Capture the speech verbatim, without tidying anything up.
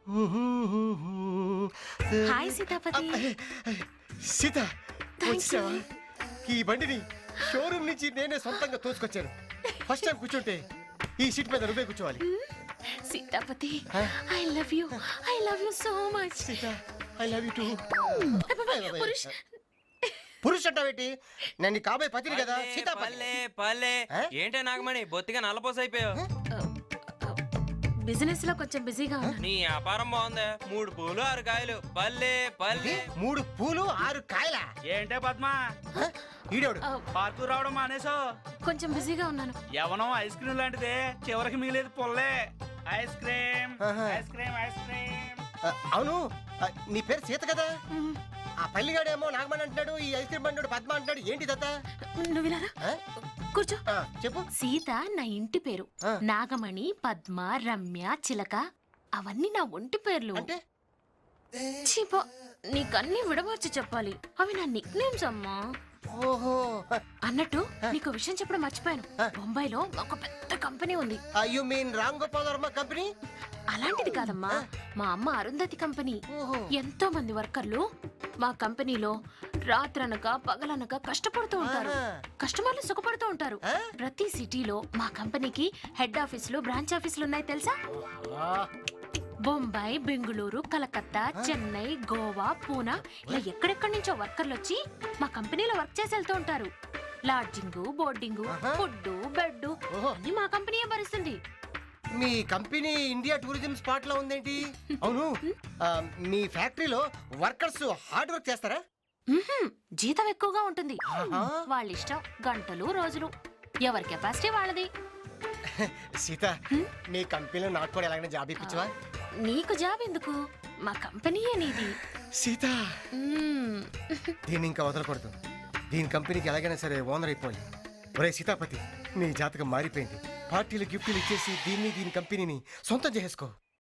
Hi Sitapati. Sita వచ్చావా? ఈ బండిని షోరూమ్ నుంచి నేనే సొంతంగా తోసుకొచ్చాను. ఫస్ట్ టైం కూర్చుంటే ఈ సీట్ మీద నువ్వే కూర్చోవాలి. Sitapati, I love you, I love you so much. Sita, I love you too. Purush, Purush అంటావేంటి? నేను నీ కాబోయే పతిని కదా. సీత పల్లె పల్లె ఏంటే నాగమణి బొత్తిగా నల్లపోస అయిపోయావు. బిజినెస్ లో కొంచెం బిజీగా ఉన్నా. నీ వ్యాపారం బాగుంది. మూడు పూలు ఆరు కాయలు. పల్లె పల్లె మూడు పూలు ఆరు కాయల. ఏంటే పద్మ ఈడోడు పార్కు రావడం మానేసో? కొంచెం బిజీగా ఉన్నాను. యవనం ఐస్ క్రీమ్ లాంటిదే, చివరికి మిగిలేదు పొల్లే. Ice cream ice cream ice cream. అవును, నీ పేరు సీత కదా? ఆ పల్లిగాడేమో నాగమణి అంటున్నాడు, ఈ ఐస్ క్రీమ్ బండి పద్మ అంటున్నాడు. ఏంటి దత్తా? నువ్వు వినారా? కూర్చో. చెప్పు. సీత నా ఇంటి పేరు. నాగమణి, పద్మ, రమ్య, చిలక అవన్నీ నా ఒంటి పేర్లు. అంటే చీపో, నీకన్నీ విడమర్చి చెప్పాలి. అవి నా నిక్ నేమ్స్ అమ్మా. ఓహో. అన్నట్టు నీకు విషయం చెప్పడం మర్చిపోయాను. బొంబాయిలో ఒక పెద్ద కంపెనీ ఉంది. You mean Ram Gopal Varma company? అలాంటిది కాదమ్మా, మా అమ్మ అరుంధతి కంపెనీ. ఎంతో మంది వర్కర్లు మా కంపెనీలో రాత్రనక పగలనక కష్టపడుతూ ఉంటారు. కస్టమర్లు సుఖపడుతూ ఉంటారు. ప్రతి సిటీలో మా కంపెనీకి హెడ్ ఆఫీసులు, బ్రాంచ్ ఆఫీసులు ఉన్నాయి తెలుసా? బొంబాయి, బెంగుళూరు, కలకత్తా, చెన్నై, గోవా, పూనా ఇలా ఎక్కడెక్కడి నుంచో వర్కర్లు వచ్చి మా కంపెనీలో వర్క్ చేసి వెళ్తూ ఉంటారు. లాడ్జింగ్, బోర్డింగ్, ఫుడ్, బెడ్ అన్ని మా కంపెనీయే భరిస్తుంది. మీ కంపెనీ ఇండియా టూరిజం స్పాట్ లో ఉందేంటి? అవును, మీ ఫ్యాక్టరీలో వర్కర్స్ హార్డ్ వర్క్ చేస్తారా? జీతం ఎక్కువగా ఉంటుంది. వాళ్ళ ఇష్టం, గంటలు, రోజులు, ఎవరి కెపాసిటీ వాళ్ళది. సీత, నీ కంపెనీలో నాకు కూడా ఎలాగైనా జాబ్ ఇప్పించవా? నీకు జాబ్ ఎందుకు, మా కంపెనీయే నీది. సీత, దీన్ని ఇంకా వదలకూడదు. దీని కంపెనీకి ఎలాగైనా సరే ఓనర్ అయిపోయి. ఒరే సీతాపతి, నీ జాతకం మారిపోయింది. పార్టీలు గిఫ్ట్లు ఇచ్చేసి దీన్ని దీని కంపెనీని సొంతం చేసుకో.